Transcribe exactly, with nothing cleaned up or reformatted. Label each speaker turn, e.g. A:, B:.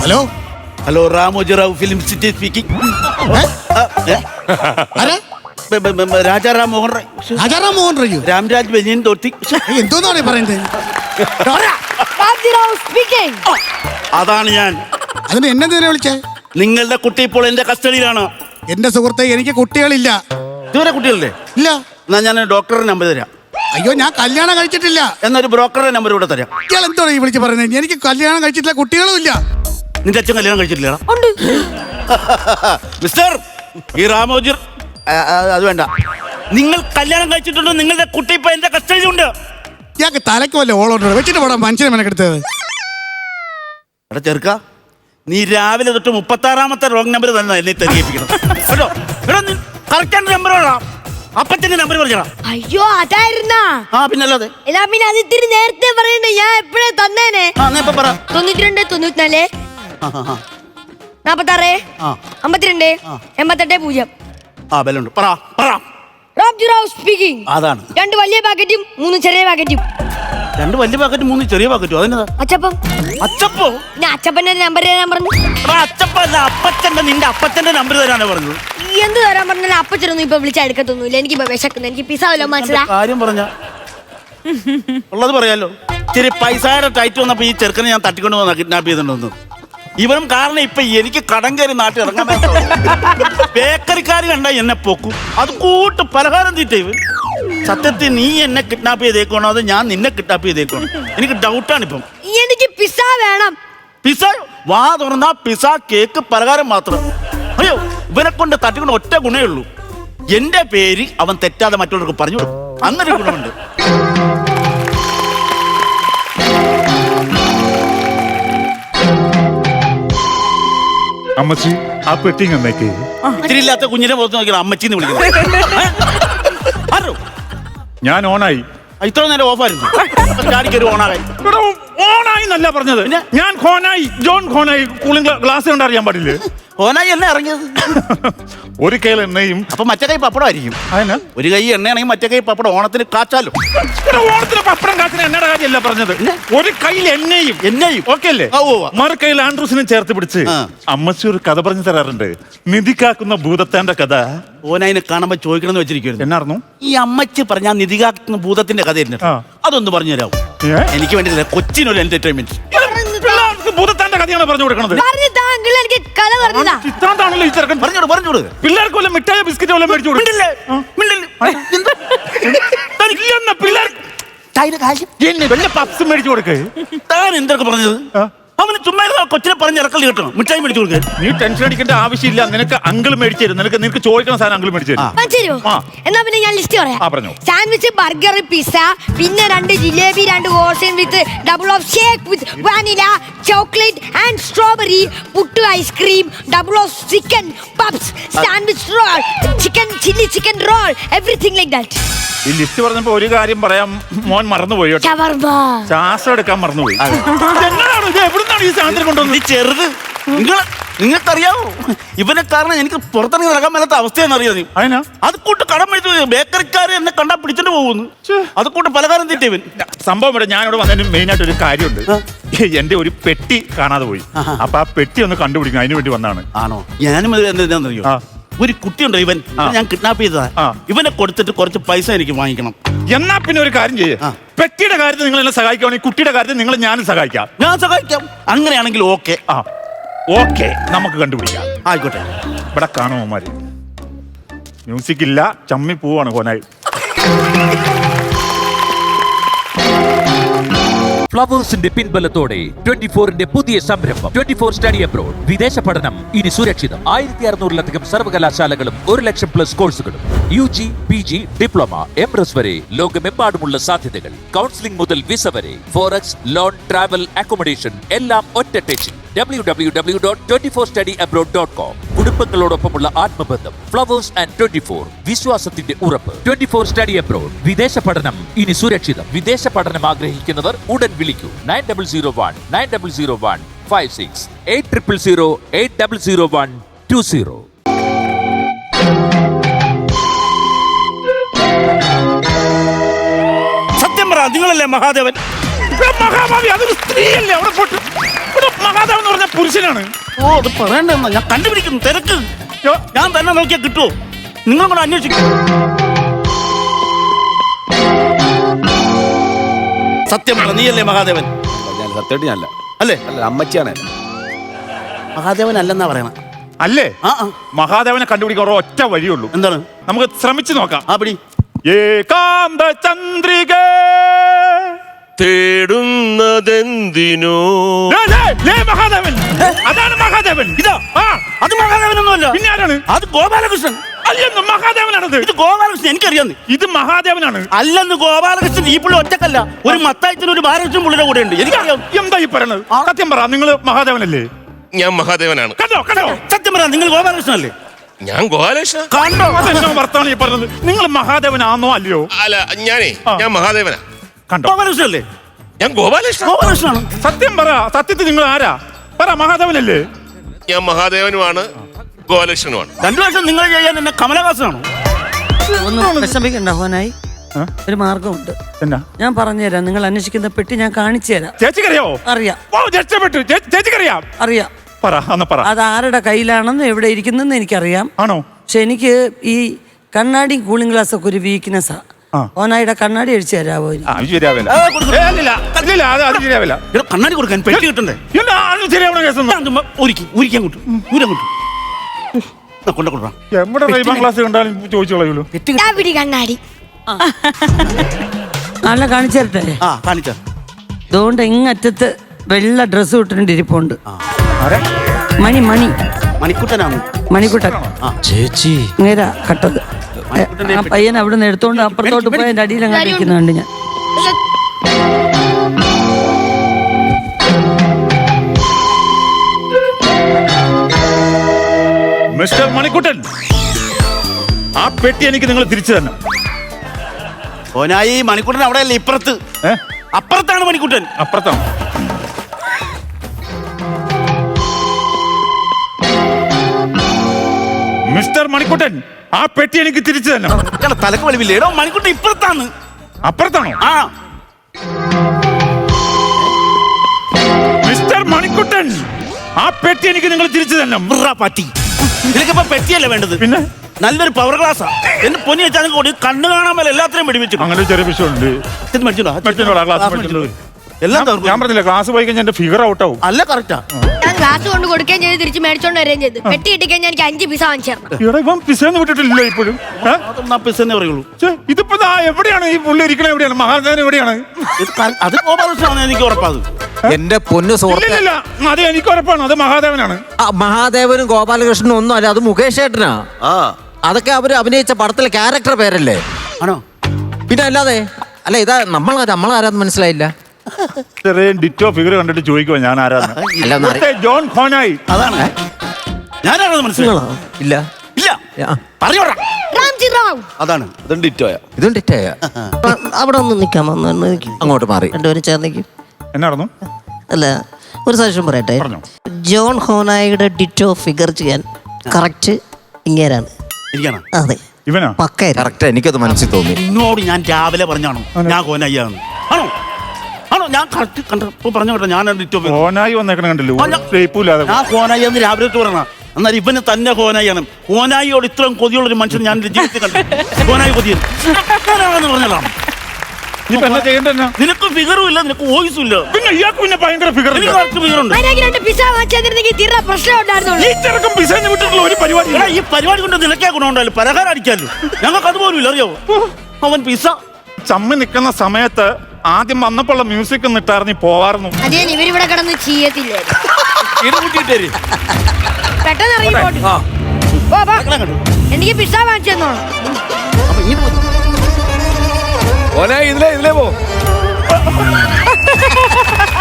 A: Hello
B: hello Ramoji Rao film city speaking. Rajaram Mohan Roy.
A: Rajaram Mohan Roy.
B: Ramraj banian തോർത്തി.
A: എന്തോന്നാണ് പറയുന്നത്?
B: അതാണ് ഞാൻ.
A: അതിന് എന്നെ നേരെ വിളിച്ചേ?
B: നിങ്ങളുടെ കുട്ടി ഇപ്പോൾ എന്റെ കസ്റ്റഡിയിലാണ്.
A: എന്റെ സുഹൃത്തെ, എനിക്ക് കുട്ടികളില്ല.
B: ഇതുവരെ കുട്ടികളില്ലേ?
A: ഇല്ല.
B: എന്നാ ഞാൻ ഡോക്ടറുടെ നമ്പർ തരാം.
A: അയ്യോ, ഞാൻ കല്യാണം കഴിച്ചിട്ടില്ല.
B: എന്നൊരു ബ്രോക്കറുടെ നമ്പർ ഇവിടെ തരാം.
A: ഇയാൾ എന്തോ ഈ വിളിച്ച് പറയുന്നത്? എനിക്ക് കല്യാണം കഴിച്ചിട്ടില്ല, കുട്ടികളും ഇല്ല.
B: നിന്റെ അച്ഛൻ കല്യാണം കഴിച്ചിട്ടില്ല? മിസ്റ്റർ ഈ രാമോജി, അത് വേണ്ട. നിങ്ങൾ കല്യാണം കഴിച്ചിട്ടുണ്ടോ? നിങ്ങളുടെ കുട്ടി ഇപ്പൊ എന്റെ കസ്റ്റഡിയിലുണ്ട്.
A: ഇയാൾക്ക് തലയ്ക്ക് വല്ല ഓളോട്ടോ വെച്ചിട്ട് പോടാ മനുഷ്യനെ മെനക്കെടുത്തത്.
B: എടാ ചെറുക്ക, നീ രാവിലെ തൊട്ട് മുപ്പത്തി ആറാമത്തെ റോങ് നമ്പർ തന്നെ എന്നെ തെരഞ്ഞെടുപ്പിക്കണം കേട്ടോ. എടാ നീ കറക്റ്റ് നമ്പർ വേണം. അപ്പച്ചന്റെ നമ്പർ പറഞ്ഞാ.
C: അയ്യോ അതായിരുന്നാ?
B: ആ പിന്നല്ലാതെ.
C: എന്നാ പിന്നെ അത് ഇത്തിരി നേരത്തെ പറയണ്ടേ, ഞാൻ എപ്പോഴേ തന്നേനെ.
B: ആ എന്നാ ഇപ്പൊ പറ.
C: തൊണ്ണൂറ്റി രണ്ട് തൊണ്ണൂറ്റിനാല് നാപ്പത്താറ് അമ്പത്തിരണ്ട് എൺപത്തെട്ട് പൂജ്യം.
B: ആ ബലുണ്ട്. പറ പറ.
C: സ്പീക്കിംഗ്.
B: അതാണ്.
C: രണ്ട് വലിയ പാക്കറ്റും മൂന്ന് ചെറിയ പാക്കറ്റും.
B: രണ്ട് വലിയ പാക്കറ്റും മൂന്ന് ചെറിയ പാക്കറ്റും. അതെന്നതാ?
C: അച്ചപ്പം.
B: അച്ചപ്പോ?
C: ഞാൻ അച്ചപ്പന്റെ നമ്പർ തരാൻ പറഞ്ഞു.
B: അച്ചപ്പല്ല, അപ്പച്ചന്റെ. നിന്റെ അപ്പച്ചന്റെ നമ്പർ തരാനാ പറഞ്ഞത്.
C: എന്ത് തരാൻ പറഞ്ഞാലും അപ്പച്ചനൊന്നും ഇപ്പൊ വിളിച്ചാൽ എടുക്കത്തൊന്നുമില്ല. എനിക്ക് ഇപ്പൊ വിശക്കുന്നു. എനിക്ക് പിസ വല്ലോ മനസ്സിലാ.
B: കാര്യം പറഞ്ഞ ഉള്ളത് പറയാലോ. ഇച്ചിരി പൈസയുടെ ടൈറ്റ് വന്നപ്പോ ഈ ചെറുക്കനെ ഞാൻ തട്ടിക്കൊണ്ട് വന്ന കിഡ്നാപ്പ് ചെയ്തിട്ടുണ്ടെന്ന്. ഇവനും കാരണം ഇപ്പൊ എനിക്ക് കടം കയറി നാട്ടിൽ ഇറങ്ങാൻ ബേക്കറിക്കാര് കണ്ട എന്നെ പൊക്കും. അത് കൂട്ട് പലഹാരം തീറ്റ. ഇവൻ സത്യത്തിൽ നീ എന്നെ കിഡ്നാപ്പ് ചെയ്തേക്കണോ അതോ ഞാൻ നിന്നെ കിഡ്നാപ്പ് ചെയ്തേക്കണോ? എനിക്ക് ഡൗട്ടാണ് ഇപ്പം.
C: എനിക്ക് പിസ വേണം.
B: പിസ? വാ തുറന്നാ പിസ, കേക്ക്, പലഹാരം മാത്രം. അയ്യോ, ഇവനെ കൊണ്ട് തട്ടിക്കൊണ്ട് ഒറ്റ ഗുണേ ഉള്ളൂ. എന്റെ പേര് അവൻ തെറ്റാതെ മറ്റുള്ളവർക്ക് പറഞ്ഞു കൊടുക്കും. അങ്ങനെ ഗുണമുണ്ട്.
D: അമ്മച്ചി, ആ പെട്ടി എന്നേക്ക്.
B: ഇത്തിരി ഇല്ലാത്ത കുഞ്ഞിനെ പുറത്ത് നോക്കിയാൽ അമ്മച്ചിന്ന് വിളിക്കുന്നത്.
D: ഞാൻ ഓണായി.
B: ഇത്ര നേരം ഓഫായിരുന്നു. ചാടിക്കൊരു ഓണായി.
D: ഓണായി എന്നല്ല പറഞ്ഞത്, ഞാൻ Honai, John Honai. Cooling glass കൊണ്ട് അറിയാൻ പാടില്ലേ?
B: ഓനായി എണ്ണ ഇറങ്ങിയത്.
D: ഒരു കൈയിൽ എണ്ണയും
B: അപ്പൊ മറ്റേ കൈ പപ്പടം ആയിരിക്കും.
D: അതിന്
B: ഒരു കൈ എണ്ണയാണെങ്കിൽ മറ്റേ കൈ പപ്പടം. ഓണത്തിന് കാച്ചാലോ.
D: ഓണത്തിന് പപ്പടം കാച്ചിന് എണ്ണയുടെ കാര്യമല്ല പറഞ്ഞത്. ഒരു കയ്യിൽ എണ്ണയും
B: എണ്ണയും
D: ഓക്കെ അല്ലേ? മറു കയ്യിൽ ആൻഡ്രൂസിനെ ചേർത്ത് പിടിച്ച് അമ്മച്ചി ഒരു കഥ പറഞ്ഞു തരാറുണ്ട്. നിധി കാക്കുന്ന ഭൂതത്താന്റെ കഥ.
B: ഓനായിനെ കാണുമ്പോ ചോദിക്കണമെന്ന് വെച്ചിരിക്കുന്നു.
D: എന്നായിരുന്നു
B: ഈ അമ്മച്ചി പറഞ്ഞ നിധി കാക്കുന്ന ഭൂതത്തിന്റെ കഥ? അതൊന്ന് പറഞ്ഞു തരാമോ? എനിക്ക് വേണ്ടിയില്ല, കൊച്ചിനൊരു എന്റർടൈൻമെന്റ്.
D: ഭൂതത്താന്റെ കഥയാണ് പറഞ്ഞു കൊടുക്കണത്.
C: എനിക്ക്
D: ഈ ചെറുക്കൻ
B: പറഞ്ഞോട് പറഞ്ഞോട്.
D: പിള്ളേർക്ക് വല്ല മിഠായ ബിസ്ക്കറ്റ് വല്ല മേടിച്ചു കൊടുക്കും. പപ്സ് മേടിച്ചു കൊടുക്കേ.
B: താൻ എന്തൊക്കെ പറഞ്ഞത്? അവന് ചുമ്മാ കൊച്ചിനെ പറഞ്ഞ് ഇറക്കല് കിട്ടണം. മിഠായി മേടിച്ചു കൊടുക്കുക.
D: നീ ടെൻഷൻ അടിക്കേണ്ട ആവശ്യമില്ല. നിനക്ക് അങ്കിൾ മേടിച്ചു തരും. നിനക്ക് നിനക്ക് ചോദിക്കുന്ന സാധനം അങ്കിൾ മേടിച്ചു തരും.
C: എന്നാ പിന്നെ ഞാൻ ലിസ്റ്റ് പറയാം. സാൻഡ്വിച്ച്, ബർഗർ, പിസ്സ, പിന്നെ രണ്ട് ജിലേബി, രണ്ട് ഓർസൻ with double of shake with vanilla, chocolate and strawberry, puttu ice cream, double of chicken puffs, sandwich roll, chicken chilli chicken roll, everything like that.
D: ഈ ലിസ്റ്റ് പറഞ്ഞപ്പോ ഒരു കാര്യം പറയാം, മോൻ മറന്നുപോയി. ശ്വാസം എടുക്കാൻ മറന്നുപോയി. എവിടുന്നാണ് ഈ സാധനം കൊണ്ടുവന്നത്?
B: ചെറുത് നിങ്ങൾ നിങ്ങൾക്കറിയാവോ? ഇവനെ കാരണം എനിക്ക് പുറത്തിറങ്ങി നടക്കാൻ മേലാത്ത അവസ്ഥയെന്ന് അറിയാം.
D: അതിനാ
B: അത് കൂട്ട് കടം മേടിച്ചു. ബേക്കറിക്കാരെ എന്നെ കണ്ടാ പിടിച്ചിട്ട് പോകുന്നു. അത് കൂട്ട് പലകാരം തീറ്റ ഇവൻ.
D: സംഭവം ഇവിടെ ഞാനിവിടെ വന്നതിന് മെയിൻ ആയിട്ട് ഒരു കാര്യമുണ്ട്. എന്റെ ഒരു പെട്ടി കാണാതെ പോയി. അപ്പൊ ആ പെട്ടി ഒന്ന് കണ്ടുപിടിക്കണം, അതിനു വേണ്ടി വന്നാണ്.
B: ആണോ? ഞാനും എന്താണെന്നറിയോ, ഒരു കുട്ടിയുണ്ടോ ഇവൻ, ഞാൻ കിഡ്നാപ്പ് ചെയ്തതാ. ഇവനെ കൊടുത്തിട്ട് കുറച്ച് പൈസ എനിക്ക് വാങ്ങിക്കണം.
D: എന്നാ പിന്നെ ഒരു കാര്യം ചെയ്യേ, പെട്ടിയുടെ കാര്യത്തിൽ നിങ്ങൾ എന്നെ സഹായിക്കുകയാണെങ്കിൽ കുട്ടിയുടെ കാര്യത്തിൽ നിങ്ങൾ ഞാനും സഹായിക്കാം.
B: ഞാൻ സഹായിക്കാം. അങ്ങനെയാണെങ്കിൽ ഓക്കെ.
D: ആ ഓക്കെ, നമുക്ക് കണ്ടുപിടിക്കാം.
B: ആയിക്കോട്ടെ.
D: ഇവിടെ കാണുമോമാര് മ്യൂസിക് ഇല്ല, ചമ്മി പോവാണ് കോനായി.
E: ഫ്ലവേഴ്സിന്റെ പിൻബലത്തോടെ ട്വന്റി ഫോറിന്റെ പുതിയ സംരംഭം ട്വന്റി ഫോർ സ്റ്റഡി അബ്രോഡ്. വിദേശ പഠനം ഇനി സുരക്ഷിതം. ആയിരത്തി അറുന്നൂറിലധികം സർവകലാശാലകളും ഒരു ലക്ഷം പ്ലസ് കോഴ്സുകളും. U G, P G, diploma, M S വരെ ലോകമെമ്പാടുമുള്ള സാധ്യതകൾ. കൗൺസിലിംഗ് മുതൽ വിസ വരെ, ഫോറക്സ്, ലോൺ, ട്രാവൽ, അക്കോമഡേഷൻ എല്ലാം ഒറ്റ ടെച്ചിൽ. W W W dot twenty four study abroad dot com. കുടുംബങ്ങളോടൊപ്പമുള്ള ആത്മബന്ധം. ഫ്ലവേഴ്സ് ആൻഡ് ട്വന്റി ഫോർ, വിശ്വാസത്തിന്റെ ഉറപ്പ്. Twenty four study abroad. വിദേശ പഠനം ഇനി സുരക്ഷിതം. വിദേശ പഠനം ആഗ്രഹിക്കുന്നവർ ഉടൻ വിളിക്കൂ. Nine double zero one nine double zero one five six eight triple zero eight double zero one two zero.
B: സത്യം പറ, നിങ്ങളല്ലേ മഹാദേവൻ?
D: മഹാഭാവി, അതൊരു സ്ത്രീയല്ലേ? അവിടെ പോട്ട് മഹാദേവൻ എന്ന് പറഞ്ഞ പുരുഷനാണ്.
B: ഓ അത് പറയണ്ടെന്നാ ഞാൻ കണ്ടുപിടിക്കുന്നു. തിരക്ക്
D: യ്യോ,
B: ഞാൻ തന്നെ നോക്കിയാൽ കിട്ടുമോ? നിങ്ങൾ കൂടെ അന്വേഷിക്കും. സത്യം പറ, നീയല്ലേ മഹാദേവൻ?
F: ഞാൻ സത്യമായിട്ട് ഞാനല്ല.
B: അല്ലേ?
F: അല്ല, അമ്മച്ചിയാണ്.
B: മഹാദേവൻ അല്ലെന്നാ പറയണ.
D: അല്ലേ?
B: ആ ആ.
D: മഹാദേവനെ കണ്ടുപിടിക്കാൻ ഒറ്റ വഴിയുള്ളൂ.
B: എന്താണ്?
D: നമുക്ക് ശ്രമിച്ചു നോക്കാം.
B: ആ പിടി.
D: ഏകാന്ത ചന്ദ്രിക
G: തേടുന്നതെന്തിനോ
D: മഹാദേവൻ. അതാണ് മഹാദേവൻ.
B: ഇതാ
D: ആ,
B: അത് മഹാദേവനൊന്നുമല്ല.
D: പിന്നെ ആരാണ്?
B: അത് ഗോപാലകൃഷ്ണൻ.
D: അല്ലെന്ന് മഹാദേവനാണത്.
B: ഇത് ഗോപാലകൃഷ്ണൻ എനിക്കറിയാന്ന്.
D: ഇത് മഹാദേവനാണ്.
B: അല്ലെന്ന് ഗോപാലകൃഷ്ണൻ ഈ പുള്ളി ഒറ്റക്കല്ല. ഒരു മത്തായത്തിന് ഒരു ബാലകൃഷ്ണൻ പുള്ളിയുടെ കൂടെ ഉണ്ട്. എനിക്കറിയാം.
D: എന്താ ഈ പറയണത്? സത്യം പറ, നിങ്ങൾ മഹാദേവനല്ലേ?
G: ഞാൻ മഹാദേവനാണ്.
D: കണ്ടോ കണ്ടോ?
B: സത്യം പറ, നിങ്ങൾ ഗോപാലകൃഷ്ണൻ അല്ലേ?
G: ഞാൻ ഗോപാലകൃഷ്ണ.
B: കണ്ടോ?
D: അതെന്നോ വർത്താനം ഈ പറഞ്ഞത്? നിങ്ങൾ മഹാദേവനാണോ അല്ലയോ?
G: അല്ല, ഞാനേ ഞാൻ മഹാദേവനാ.
D: കണ്ടോ?
B: ഗോപാലകൃഷ്ണൻ അല്ലേ?
G: ഞാൻ ഗോപാലകൃഷ്ണ.
B: ഗോപാലകൃഷ്ണനാണ്.
D: സത്യം പറ, സത്യത്തിൽ നിങ്ങൾ ആരാ? പറ, മഹാദേവനല്ലേ?
G: ഞാൻ മഹാദേവനുമാണ്, ഗോപാലകൃഷ്ണനുമാണ്.
B: രണ്ടു വർഷം നിങ്ങൾ ചെയ്യാൻ എന്നെ കമലഹാസനാണോ?
H: ഒന്ന് വിഷമിക്കണ്ട ഹോനായി.
D: ആ?
H: ഒരു മാർഗമുണ്ട്.
D: എന്നാ?
H: ഞാൻ പറഞ്ഞുതരാം. നിങ്ങൾ അന്വേഷിക്കുന്ന പെട്ടി ഞാൻ കാണിച്ചു തരാം.
D: ചേച്ചിക്കറിയോ?
H: അറിയാം
D: ഓ, രക്ഷപ്പെട്ടു. ചേ- ചേച്ചിക്കറിയാം?
H: അറിയാം.
D: പറ, അന്ന് പറ.
H: അത് ആരുടെ കയ്യിലാണെന്ന് എവിടെ ഇരിക്കുന്നെന്ന് എനിക്കറിയാം.
D: ആണോ?
H: പക്ഷെ എനിക്ക് ഈ കണ്ണാടി കൂളിംഗ് ഗ്ലാസ് ഒക്കെ ഒരു വീക്ക്നെസ്സാ.
D: ആ.
H: ഓനായിയുടെ കണ്ണാടി അടിച്ചു തരാമോ?
D: ആ, അത് ശരിയാവില്ല.
B: ആ, കൊടുക്ക്.
D: ഏ, ഇല്ലില്ല, ഇല്ലില്ല, അത് അത് ശരിയാവില്ല.
B: ഇവിടെ കണ്ണാടി കൊടുക്കാൻ പെട്ടി കിട്ടണ്ടേ?
D: എന്താ അത് ശരിയാവണ കേസൊന്നും?
B: ഞാൻ ചുമ്മാ ഒരുക്കി ഊരിക്കാൻ കൊണ്ടു ഊരാൻ കൊണ്ടു കൊണ്ട കൊടുക്കാം.
D: എവിടെ റൈബാൻ ക്ലാസ് കണ്ടാലും ചോദിച്ചു കളയുള്ളൂ.
C: ഇതാ പിടി കണ്ണാടി.
H: നല്ല കാണിച്ചു തരട്ടെ.
B: ആ കാണിച്ച
H: അതുകൊണ്ട് ഇങ്ങറ്റത്ത് വെള്ള ഡ്രസ്സ് ഇട്ടിട്ടുണ്ട് ഇരിപ്പുണ്ട്.
D: ആരാ?
H: മണി മണി
B: മണിക്കുട്ടനാണ്.
H: മണിക്കുട്ടൻ
F: ചേച്ചി
H: നേരാ കട്ടത്. ആ പയ്യൻ അവിടെ നിന്ന് എടുത്തോണ്ട് അപ്പുറത്തോട്ട് പോയി അതിന്റെ അടിയിൽ അങ്ങോട്ട് ഇരിക്കുന്നുണ്ട് ഞാൻ.
D: മിസ്റ്റർ മണിക്കുട്ടൻ, ആ പെട്ടി എനിക്ക് നിങ്ങൾ തിരിച്ചു തന്നെ.
B: ഓനായി മണിക്കുട്ടൻ അവിടെ അല്ലേ? ഇപ്പുറത്ത്.
D: ഏ?
B: അപ്പുറത്താണ് മണിക്കുട്ടൻ.
D: അപ്പുറത്താണ്. മിസ്റ്റർ മണിക്കുട്ടൻ, ആ പെട്ടി എനിക്ക് തിരിച്ചു തന്നെ.
B: ഇയാളെ തലക്ക് വലിവില്ലേ? എടോ മണിക്കുട്ടൻ ഇപ്പുറത്താണ്.
D: അപ്പുറത്താണോ?
B: ആ
D: മിസ്റ്റർ മണിക്കുട്ടൻ, ആ പെട്ടി എനിക്ക് നിങ്ങൾ തിരിച്ചു തന്നെ.
B: ബ്രാ പറ്റി. നിനക്കിപ്പോ പെട്ടിയല്ലേ വേണ്ടത്?
D: പിന്നെ
B: നല്ലൊരു പവർ ഗ്ലാസ്സാ. എന്നെ പൊന്നി വെച്ചാൽ കൂടി കണ്ണ് കാണാൻ മേലെ എല്ലാത്തിനും വെടിവെച്ചു.
D: അങ്ങനെ ഒരു ചെറിയ വിഷയമുണ്ട്. മേടിച്ചോളാം, ഗ്ലാസ് മേടിച്ചോളൂ.
B: എല്ലാം
D: ഞാൻ
B: തകർക്കും.
D: പറഞ്ഞില്ല, ക്ലാസ് പോയി കഴിഞ്ഞാൽ എന്റെ ഫിഗർ ഔട്ട് ആവും.
B: അല്ല കറക്റ്റാ.
C: ഞാൻ ഗ്ലാസ് കൊണ്ട് കൊടുക്കുകയും ചെയ്ത് തിരിച്ച് മേടിച്ചോണ്ട് വരികയും ചെയ്ത്. പെട്ടി ഇട്ട് കഴിഞ്ഞാൽ എനിക്ക് അഞ്ച് പീസ വാങ്ങിച്ചു തരണം.
D: ഇവിടെ ഇപ്പം പിസന്ന് വിട്ടിട്ടില്ല ഇപ്പോഴും. ഏ?
B: അതൊന്നാ പിസ്സെന്നേ പറയുള്ളൂ.
D: ഛെ, ഇതിപ്പോ ദാ എവിടെയാണ് ഈ പുള്ളി ഇരിക്കണ? എവിടെയാണ് മഹാദേവൻ? എവിടെയാണ്?
B: ഇത് ക- അത് ഗോപാലകൃഷ്ണനാണ് എനിക്ക് ഉറപ്പാത്.
F: എന്റെ പൊന്നു സുഹൃത്ത്,
D: ഇല്ലില്ല, അത് എനിക്ക് ഉറപ്പാണ്, അത് മഹാദേവനാണ്.
F: ആ, മഹാദേവനും ഗോപാലകൃഷ്ണനും ഒന്നും അല്ല, അത് മുകേഷ് ഏട്ടനാ.
B: ആ
F: അതൊക്കെ അവര് അഭിനയിച്ച പടത്തിലെ ക്യാരക്ടർ പേരല്ലേ?
B: ആണോ?
F: പിന്നെ അല്ലാതെ അല്ല, ഇതാ നമ്മൾ നമ്മളാരാന്ന് മനസ്സിലായില്ല.
D: ചെറിയ ഡിറ്റോ ഫിഗർ കണ്ടിട്ട് ചോദിക്കുവാ ഞാൻ ആരാന്ന്.
F: അല്ല, ഒന്ന് അറിയ-
D: ഇവിടുത്തെ ജോൺ ഖോനായി.
B: അതാണ് ഞാനാണത് മനസ്സിലായോ?
F: ഇല്ല.
B: ഇല്ല
F: ആ,
B: പറഞ്ഞോടാ.
C: റാംജി റാവു.
B: അതാണ് അതും ഡിറ്റോയാ.
F: ഇതും ഡിറ്റായ.
H: അവിടെ ഒന്ന് നിൽക്കാമോ? ഒന്ന് നിൽക്ക്.
F: അങ്ങോട്ട് മാറി.
H: രണ്ടുപേരും ചേർന്നിക്ക്.
D: എന്നായിരുന്നു?
H: അല്ല, ഒരു സജഷൻ പറയട്ടെ.
D: പറഞ്ഞോ.
H: ജോൺ ഹോനായിയുടെ ഡിറ്റോ ഫിഗർ ചെയ്യാൻ കറക്റ്റ് ഇങ്ങേരാണ്.
B: ഇരിക്കണം.
H: അതെ,
D: ഇവനാ?
H: പക്ക.
F: കറക്റ്റ്, എനിക്കത് മനസ്സിൽ തോന്നി.
B: എന്നോട് ഞാൻ രാവിലെ പറഞ്ഞാണോ ഞാൻ കോനയ്യാന്ന്? ആണോ ആണോ ഞാൻ കറക്റ്റ് കണ്ടപ്പോ പറഞ്ഞു കേട്ടോ ഞാൻ ഡിറ്റോ.
D: ഖോനായി വന്നേക്കണ കണ്ടല്ലോ,
B: അല്ല.
D: ഷേപ്പില്ലാതെ.
B: ഞാൻ കോനായി എന്ന് രാവിലെ പറഞ്ഞ എന്നാൽ ഇവന് തന്നെ കോനായിയാണ്. കോനായിയോട് ഇത്രയും കൊതിയുള്ള ഒരു മനുഷ്യൻ ഞാൻ എൻ്റെ ജീവിതത്തിൽ കണ്ടു. കോനായി കൊതിയൻ പറഞ്ഞല്ലോ.
D: ഇപ്പൊ എന്നാ ചെയ്യണ്ടെന്നാ?
B: നിനക്ക് ഫിഗറും ഇല്ല, നിനക്ക് വോയിസും ഇല്ല.
D: പിന്നെ ഇയാൾക്ക് പിന്നെ ഭയങ്കര ഫിഗർ.
B: എനിക്ക് കറക്റ്റ് ഫിഗറുണ്ട്.
C: അതിനാക്കി രണ്ട് പിസ വാങ്ങിച്ചു തന്നിരുന്നെങ്കിൽ തീരെ പ്രശ്നം ഉണ്ടായിരുന്നുള്ളൂ.
D: ഈ ചെറുക്കം പിസന്ന് വിട്ടിട്ടുള്ള ഒരു പരിപാടി.
B: എടാ, ഈ പരിപാടി കൊണ്ട് നിനക്കേ ഗുണമുണ്ടല്ലോ, പലഹാരം അടിക്കാമല്ലോ. ഞങ്ങൾക്ക് അതുപോലും ഇല്ല, അറിയാവോ? അവൻ പിസ
D: ചമ്മി നിൽക്കുന്ന സമയത്ത് ആദ്യം വന്നപ്പോഴുള്ള മ്യൂസിക് നിട്ടാർന്നി പോവാറുന്നു.
C: അത് ഞാൻ ഇവരിവിടെ കിടന്ന് ചെയ്യത്തില്ലായിരുന്നു.
B: ഇടകൂട്ടിട്ടേര്
C: പെട്ടെന്ന് ഇറങ്ങി പോട്ടെ. പോ, പോ. എനിക്ക് പിസ വാങ്ങിച്ചു തന്നോളൂ.
B: അപ്പൊ ഇങ്ങോട്ട് പോ.
F: ഇതിലേ ഇതിലേ പോ.